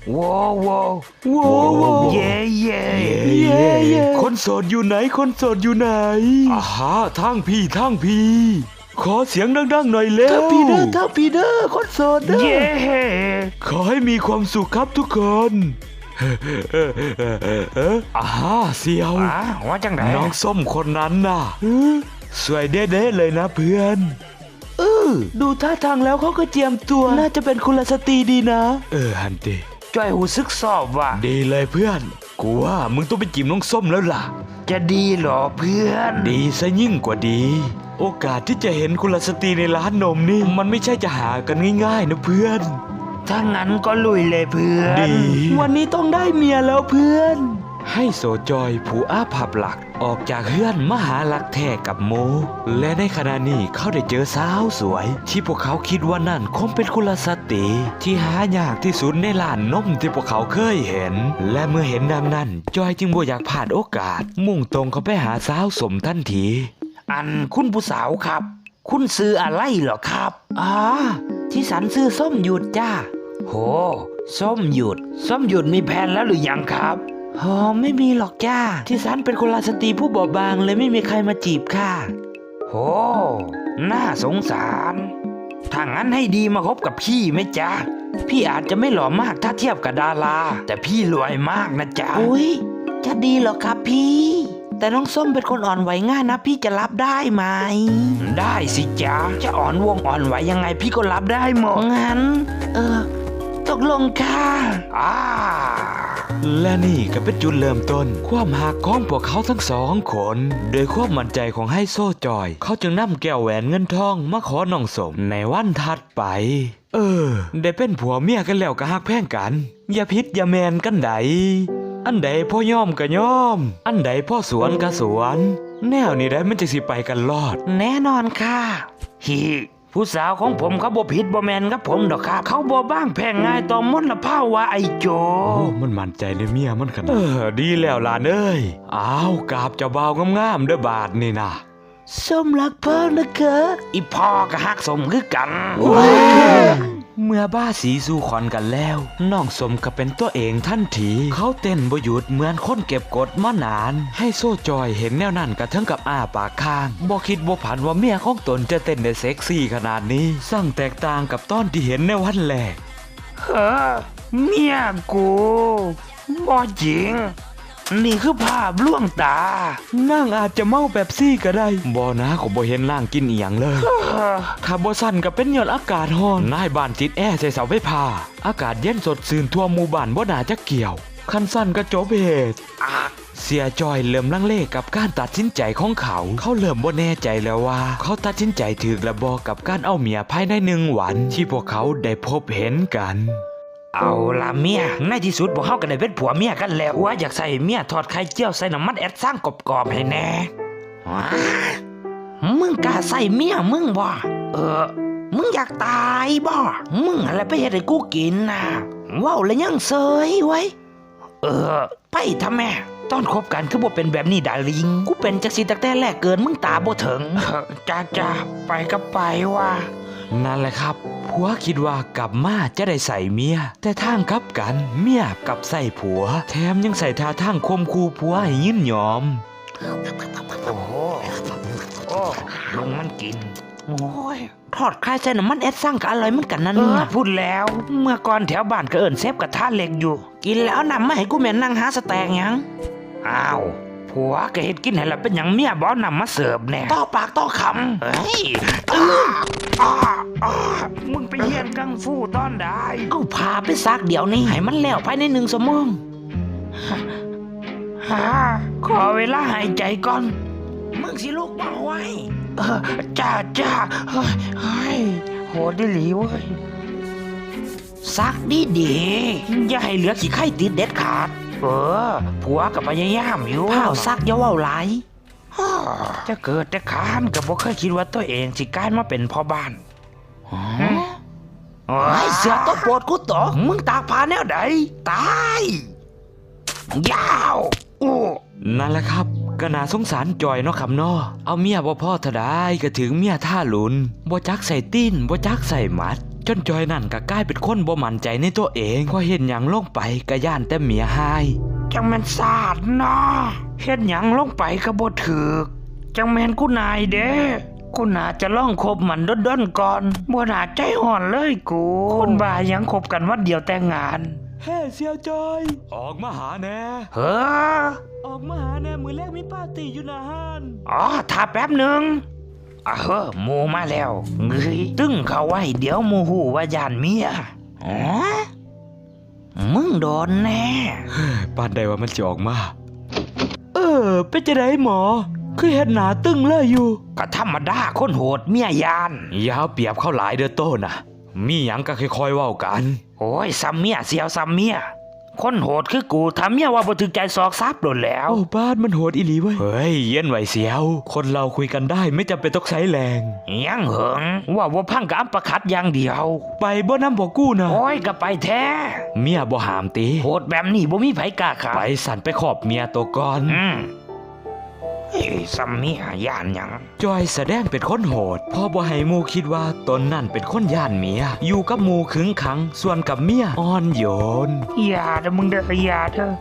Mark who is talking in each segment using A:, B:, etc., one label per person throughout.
A: ว้าวว้าว
B: ว้าว
A: เย่เย่
B: คนโสดอยู่ไหนคนโสดอยู่ไหนอาฮะทางพี่ขอเสียงดังๆหน่อยเร็ว
A: ทั้งพีเดอร์คนโสดเด้อเย่
B: ขอให้มีความสุขครับทุกคนอาฮะเสียว
A: ว่าจังไหน
B: น้องส้มคนนั้นน่ะสวยเด้ๆเลยนะเพื่อน
A: ดูท่าทางแล้วเขาก็เจียมตัวน่าจะเป็นกุลสตรีดีนะ
B: ฮันเต
A: จ้อยหูซึกสอบว่ะ
B: ดีเลยเพื่อนกูว่ามึงต้องไปจีบน้องส้มแล้วล่ะ
A: จะดีหรอเพื่อน
B: ดีซะยิ่งกว่าดีโอกาสที่จะเห็นกุลสตรีในร้านนมนี่มันไม่ใช่จะหากันง่ายๆนะเพื่อน
A: ถ้างั้นก็ลุยเลยเพื่อน
B: ดี
A: วันนี้ต้องได้เมียแล้วเพื่อน
B: ให้โสจอยผู้อาภัพหลักออกจากเฮือนมาหาหลักแท้กับโมและในขณะนี้เขาได้เจอสาวสวยที่พวกเขาคิดว่านั่นคงเป็นกุลสตรีที่หายากที่สุดในร้านนมที่พวกเขาเคยเห็นและเมื่อเห็นดังนั้นจอยจึงบ่อยากพลาดโอกาสมุ่งตรงเข้าไปหาสาวสมทันที
A: คุณผู้สาวครับคุณซื้ออะไรเหรอครับที่สันซื้อส้มหยุดจ้าโหส้มหยุดมีแผนแล้วหรือยังครับไม่มีหรอกจ้าที่สันเป็นกุลสตรีผู้บอบบางเลยไม่มีใครมาจีบค่ะโหน่าสงสารถ้างั้นให้ดีมาคบกับพี่ไหมจ๊ะพี่อาจจะไม่หล่อมากถ้าเทียบกับดาราแต่พี่รวยมากนะจ๊ะอุ้ยจะดีเหรอครับพี่แต่น้องส้มเป็นคนอ่อนไหวง่ายนะพี่จะรับได้ไหมได้สิจ๊ะจะอ่อนไหวยังไงพี่ก็รับได้หมดงั้นตกลงค่ะ
B: และนี่ก็เป็นจุดเริ่มต้นความหักของพวกเขาทั้งสองคนโดยความมั่นใจของไฮโซจอยเขาจึงนำแก้วแหวนเงินทองมาขอน้องสมในวันถัดไปได้เป็นผัวเมียกันแล้วก็ฮักแพงกันอย่าพิษอย่าแมนกันใดอันใดพ่อยอมก็ยอมอันใดพ่อสวนก็สวนแนวนี้ได้มันจะสิไปกันรอด
A: แน่นอนค่ะผู้สาวของผมเขาบ่ผิดบ่แมนกับผมดอกครับเขาบ่บ้างแพงง่ายต่อมลภาวะไอโจ
B: มันมั่นใจในเมียมันขนาดดีแล้วล่ะเอ้ยกราบเจ้าบ่าวงามๆเด้อบาดนี่นะ
A: ส้มรักพ่อนะคะอีพ่อก็ฮักสมคือกัน
B: เมื่อบ้าสีสู่ขอนกันแล้วน้องสมก็เป็นตัวเองทันทีเขาเต้นบ่หยุดเหมือนคนเก็บกดมานานให้โซ่จอยเห็นแนวนั้นกระทั่งกับอ้าปากค้างบ่คิดบ่ผันว่าเมียของตนจะเต้นได้เซ็กซี่ขนาดนี้สร้างแตกต่างกับตอนที่เห็นในวันแรก
A: เมียกูบ่จริงนี่คือภาพล่วงตา
B: นั่งอาจจะเมาแบบซี่ก็ได้บ่นะขอบ่เห็นนั่งกินอีหยังเลยถ้าบ่สั่นก็เป็นย้อนอากาศร้อนนายบ้านติดแอร์ใส่เสาไฟฟ้าอากาศเย็นสดชื่นทั่วหมู่บ้านบ่น่าจะเกี่ยวคันสั่นก็จบเหตุเสียจอยเริ่มลังเลกับการตัดสินใจของเขาเริ่มบ่แน่ใจแล้วว่าเขาตัดสินใจถูกหรือบ่กับการเอาเมียภายใน1 วันที่พวกเขาได้พบเห็นกัน
A: เอาล่ะเมียในที่สุดพวกเขาก็ได้เป็นผัวเมียกันแล้วว่าอยากใส่เมียทอดไข่เจียวใส่น้ำมันแอดสร้างกรอบๆให้แน่มึงกล้าใส่เมียมึงบ่มึงอยากตายบ่มึงอะไรไปเฮ็ดให้กูกินน่ะว้าวแล้วยังเซยไว้ไปทำแม่ตอนคบกันคือบ่เป็นแบบนี้ดาลิงกูเป็นจักสิตั้งแต่แรกเกินมึงตาบ่ถึงจ้าไปก็ไปว่ะ
B: นั่นแหละครับผัวคิดว่ากลับมาจะได้ใส่เมียแต่ทางกลับกันเมียกลับใส่ผัวแถมยังใส่ท่าทางคมคูผัวให้ยินยอม
A: โอ้ลุงมันกินโอ้ยทอดไข่ใส่น้ำมันแอดสร้างก็อร่อยเหมือนกันนั่นพูดแล้วเมื่อก่อนแถวบ้านก็เอิ้นเซฟกระทะเหล็กอยู่กินแล้วนำมาให้กูแม่นั่งหาสแต็กยังผัวก็เฮ็ดกินให้ละเป็นอย่างเมียบ่นำมาเสิร์ฟแน่ต่อปากต่อคำมึงไปเรียนกังฟูตอนใดเอาพาไปซักเดี๋ยวนี้ให้มันแล้วภายใน1 ชั่วโมงขอเวลาหายใจก่อนมึงสิลูกบ่ไหวจ้าโหดหลีเว้ยซักดีอย่าให้เหลือขี้ไข่ติดเด็ดขาดผัวกับพยายามอยู่ข้าวซักอย่าเว้าหลายจะเกิดแต่ขานกับบ่เคยคิดว่าตัวเองสิกลายมาเป็นพ่อบ้านเสือตัวโปรดกูตกมึงตากผ้าแนวใดตายยาว
B: นั่นแหละครับก็น่าสงสารจอยเนาะครับเนาะเอาเมียบ่พอเท่าใดก็ถึงเมียท่าหลุนบ่จักใส่ตีนบ่จักใส่มัดจนจอยนั่นก็กลายเป็นคนบ่มั่นใจในตัวเองพอเห็นหยังลงไปก็ย่านแต่เมียหาย
A: จังแม่นสาดเนาะเฮ็ดหยังลงไปก็บ่ถูกจังแม่นกูนายเด้กูน่าจะล่องคบมันด้นๆก่อนบ่น่าใจห่อนเลยกูคนบ้ายังคบกันวันเดียวแต่งงาน
B: เฮ้เสี่ยวจอยออกมาหาแน่
A: เฮ้อ
B: ออกมาหาแน่มื้อแรกมีปาร์ตี้อยู่นะฮั่น
A: อ๋อถ้าแป๊บนึงเฮ้อหมู่มาแล้วเงยตึ้งเข้าไว้เดี๋ยวหมู่ฮู้ว่าย่านเมียอ๋อมึงโดนแน่
B: ปานใดว่ามันจะออกมาเป็นจังได๋หมอคือเฮ็ดหน้าตึงเลยอยู่
A: ก็ธรรมดาคนโหดเมียยาน
B: อย่าเปรียบเขาหลายเด้อโตน่ะมีหยังก็ค่อยๆเว้ากัน
A: โอ้ยซ้ำเมียเสียวซ้ำเมียคนโหดคือกูทำเมียว่าบ่ถึงใจซอกซับโดนแล้ว
B: โอ้บ้านมันโหดอีหลีเว้ยเฮ้ยเย็นไว้เสียวคนเราคุยกันได้ไม่จำเป็นต้องใช้แรง
A: ยังเหิงว่าพังกับอัปคัดอย่างเดียว
B: ไปบ่นำบ่กู้นะ
A: โอ้ยก็ไปแท้
B: เมียบ่หามติ
A: โหดแบบนี้บ่มีไผกล้าขา
B: ไปสั่นไปขอบเมียตัวก่อน
A: ซ้ำเมียย่านหยัง
B: จอยแสดงเป็นคนโหดพอบ่ให้หมู่คิดว่าตนนั่นเป็นคนย่านเมียอยู่กับหมู่ขึงขังส่วนกับเมียอ่อนโยน
A: อย่าเด้อมึงเด้ออย่าเถอะ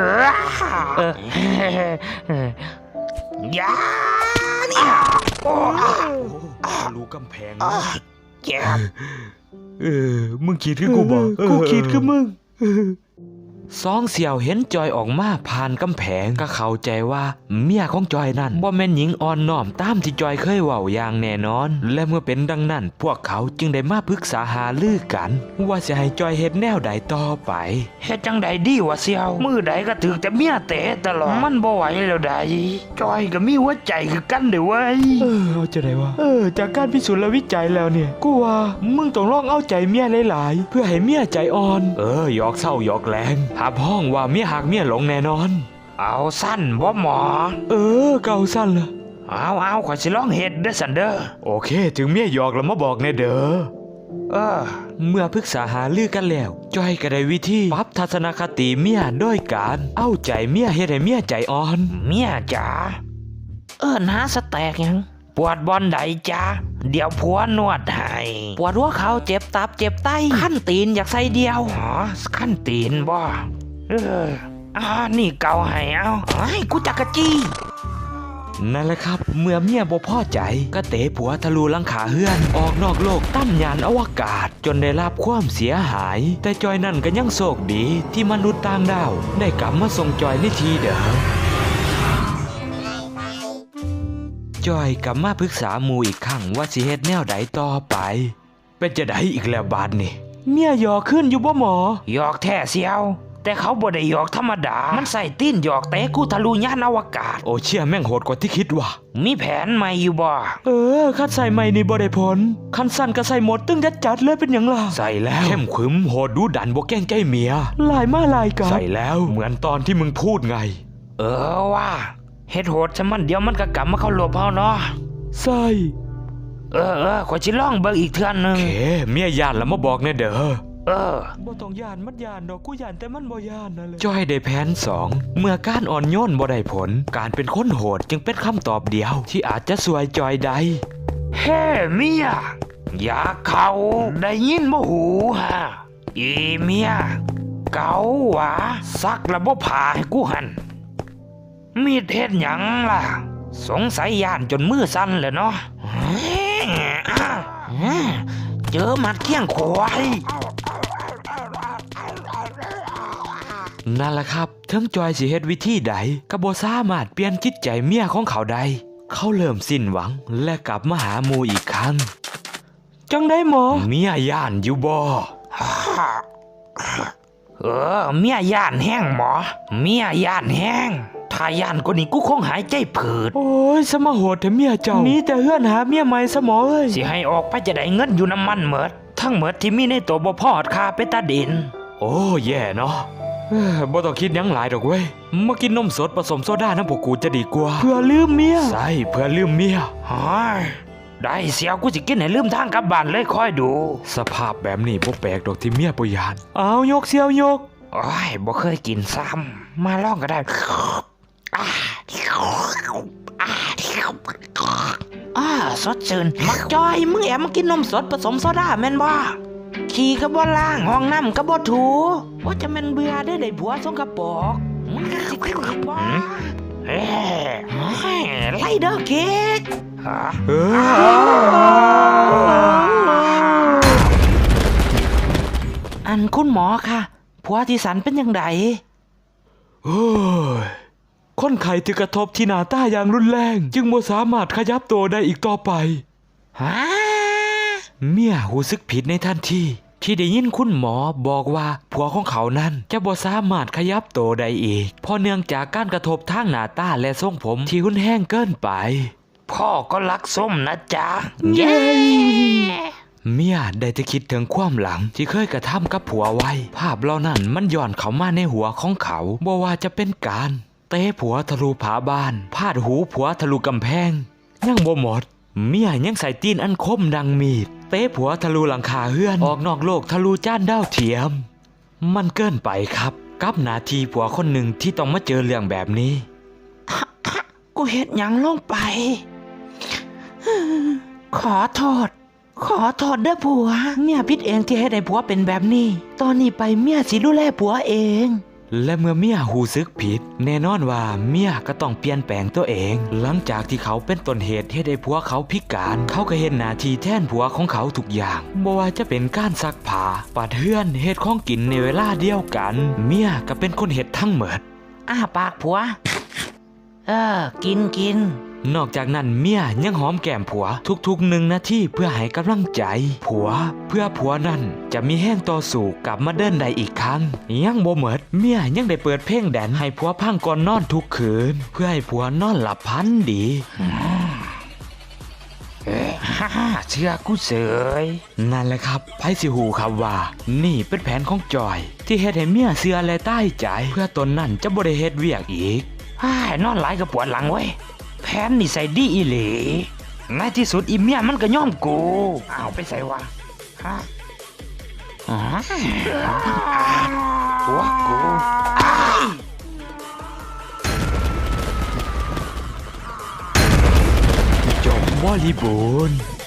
A: อย่าเนี่ยโอ้
B: รู้กำแพง
A: แจ็บ
B: มึงคิดคือกูบอกกูคิดคือมึงสองเสี่ยวเห็นจอยออกมาผ่านกำแพงก็เข้าใจว่าเมียของจอยนั่นบ่แม่นหญิงอ่อนน้อมตามที่จอยเคยเว้าอย่างแน่นอนและเมื่อเป็นดังนั้นพวกเขาจึงได้มาปรึกษาหารือกันว่าจะให้จอยเฮ็ดแนวใดต่อไป
A: เฮ็ดจังใดดีวะเสี่ยวมือใดก็ถึกแต่เมียเตะตลอดมันบ่ไหวแล้วใดจอยก็มีหัวใจคือกันเด้อเว้ย
B: เอาจะได้วะจากการพิสูจน์และวิจัยแล้วเนี่ยกูว่ามึงต้องลองเอาใจเมียหลายๆเพื่อให้เมียใจอ่อนหยอกเศร้าหยอกแรงหาพ้องว่าเมียหักเมียหลงแน่นอน
A: เอาสั้นบ่หมอ
B: เก่าสั้นละ
A: เอาขอสิลองเฮ็ดเด้อสันเด้อ
B: โอเคถึงเมียหยอกแล้วมาบอกแน่เด้อเมื่อปรึกษาหารือกันแล้วจอยก็ได้วิธีปรับทัศนคติเมียโดยการเอาใจเมียเฮ็ดให้เมียใจอ่อน
A: เมียจ๋าหาสแต็กยังปวดบอนใดจ้าเดี๋ยวผัวนวดให้ปวดหัวเข่าเจ็บตับเจ็บไตขั้นตีนอยากใส่เดียวขั้นตีนบ่นี่เกาให้เอาให้กูจักกะจี้
B: นั่นแหละครับเมื่อเมียบ่พอใจก็เตะผัวทะลุหลังคาเฮือนออกนอกโลกตั้มยานอวกาศจนได้รับความเสียหายแต่จอยนั่นก็ยังโชคดีที่มนุษย์ต่างดาวได้กลับมาส่งจอยในทีเดิมจอยกลับมาปรึกษาหมู่อีกครั้งว่าสิเฮ็ดแนวใดต่อไปเป็นจะได้อีกแล้วบาดนี่เมียหยอกขึ้นอยู่บ่หมอ
A: หยอกแท้เสียวแต่เขาบ่ได้หยอกธรรมดามันใส่ตีนหยอกเตะกูทะลุยานอวกาศ
B: โอ้เชี่ยแม่งโหดกว่าที่คิดว่ะ
A: มีแผนใหม่อยู่บ่
B: คัดใส่ใหม่นี่บ่ได้ผลคันสั่นก็ใส่หมดตึ้งจัดเลยเป็นหยังล่ะใส่แล้วเข้มขึมโหดดูดันบ่แกล้งใจเมียหลายมาหลายกันใส่แล้วเหมือนตอนที่มึงพูดไง
A: ว่าเฮ็ดโหดซะมันเดี๋ยวมันก็กลับมาเข้าหลบเฮาเนาะ
B: ใส่
A: ขอสิลองเบิ่งอีกเทื่อนึง
B: โอเคเมียย่านแล้วมาบอกแน่เด้อบ่ต้องย่านมันย่านดอกกูย่านแต่มันบ่ย่านนั่นแหละจอยได้แผน2เมื่อการอ่อนโยนบ่ได้ผลการเป็นคนโหดจึงเป็นคำตอบเดียวที่อาจจะช่วยจอยได้
A: เฮ้เมียอย่าเข้าได้ยินบ่หูฮะอีเมียเกาหวะซักแล้วบ่ผ่าให้กูหั่นมีเฮ็ดหยังล่ะสงสัยย่านจนมือสั่นเลยเนาะเจอมัดเขี้ยงควาย
B: นั่นแหละครับทั้งจอยสิเฮ็ดวิธีใดก็บ่สามารถเปลี่ยนจิตใจเมียของเขาได้เขาเริ่มสิ้นหวังและกลับมาหาหมู่อีกครั้งจังได้หมอเมียย่านอยู่บ่
A: เมียย่านแห้งหมอเมียย่านแห้งถ้าย่านกว่านี้กูคงหายใจผืด
B: โอ้ยสมาโหดแต่เมียเจ้านี้แต่เฮือนหาเมียใหม่สมอเอ้ย
A: สิให้ออกไปจะได้เงินอยู่น้ำมันเหมิดทั้งเหมิดที่มีในตัวบ่พอดค่าไปตาดิน
B: โอ้แย่เนาะบ่ต้องคิดยังหลายดอกเว้ยมากินนมสดผสมโซดาน้ำพวกกูจะดีกว่าเพื่อลืมเมียใช่เพื่อลืมเมีย
A: ได้เสียวกูสิกินให้ลืมทางกลับบ้านเลยคอยดู
B: สภาพแบบนี้บ่แปลกดอกที่เมียบ่ยานเอายกเสียวยก
A: บ่เคยกินซ้ำมาลองก็ได้สดชื่นมักจอยมึงแอบมากินนมสดผสมโซดาแม่นบ่ขี่ก็บ่ล้างห้องน้ำก็บ่ถูว่าจะมันเบื่อได้ผัวสกปรกมันก็สิขึ้นอีกบ่ไล่เด้อเค้กอันคุณหมอค่ะผัวที่สันเป็นยังไง
B: เฮ้ยคนไข้ที่กระทบที่หน้าตาอย่างรุนแรงจึงบ่สามารถขยับตัวได้อีกต่อไปเมียรู้สึกผิดในทันทีที่ได้ยินคุณหมอบอกว่าผัวของเขานั้นจะบ่สามารถขยับตัวได้อีกเพราะเนื่องจากการกระทบทางหน้าตาและทรงผมที่รุนแรงเกินไป
A: พ่อก็รักส้มนะจ๊ะ
B: เย้เมียได้แต่คิดถึงความหลังที่เคยกระทำกับผัวไว้ภาพเหล่านั้นมันย้อนเข้ามาในหัวของเขาบ่ว่าจะเป็นการเตะผัวทะลุผาบ้านพาดหูผัวทะลุกำแพงยังบ่หมดเมียยังใส่ตีนอันคมดังมีดเตะผัวทะลุหลังคาเฮือนออกนอกโลกทะลุจานดาวเทียมมันเกินไปครับกับหน้าที่ผัวคนหนึ่งที่ต้องมาเจอเรื่องแบบนี้
A: กูเฮ็ดหยังลงไปขอโทษเด้อผัวเมียผิดเองที่ให้ได้ผัวเป็นแบบนี้ตอนนี้ไปเมียสิดูแลผัวเอง
B: และเมื่อเมียรู้สึกผิดแน่นอนว่าเมียก็ต้องเปลี่ยนแปลงตัวเองหลังจากที่เขาเป็นต้นเหตุให้ได้ผัวเขาพิการเขาก็เห็นหน้าที่แทนผัวของเขาทุกอย่างบ่ว่าจะเป็นการซักผ้าปัดเฮือนเฮ็ดของกินในเวลาเดียวกันเมียก็เป็นคนเฮ็ดทั้งหมด
A: อ้าปากผัวกิน
B: นอกจากนั้นเมียยังหอมแก้มผัวทุกๆ1 นาทีเพื่อให้กำลังใจผัวเพื่อผัวนั้นจะมีแห้งต่อสู้กลับมาเดินได้อีกครั้งยังบ่หมดเมียยังได้เปิดเพลงแดนให้ผัวพังก่อนนอนทุกคืนเพื่อให้ผัวนอนหลับพันดี
A: เชื่อกูเสย
B: นั่นแหละครับไผสิฮู้ครับว่านี่เป็นแผนของจอยที่เฮ็ดให้เมียเชื่อและใต้ใจเพื่อตนนั้นจะบ่ได้เฮ็ดเวียกอีก
A: นอนหลายก็ปวดหลังเว้ยแผนนี่ใส่ดีอีหลีในที่สุดอีเมียมันก็ยอมกูเอาไปใส่วะหัวกู
B: จบบริบูรณ์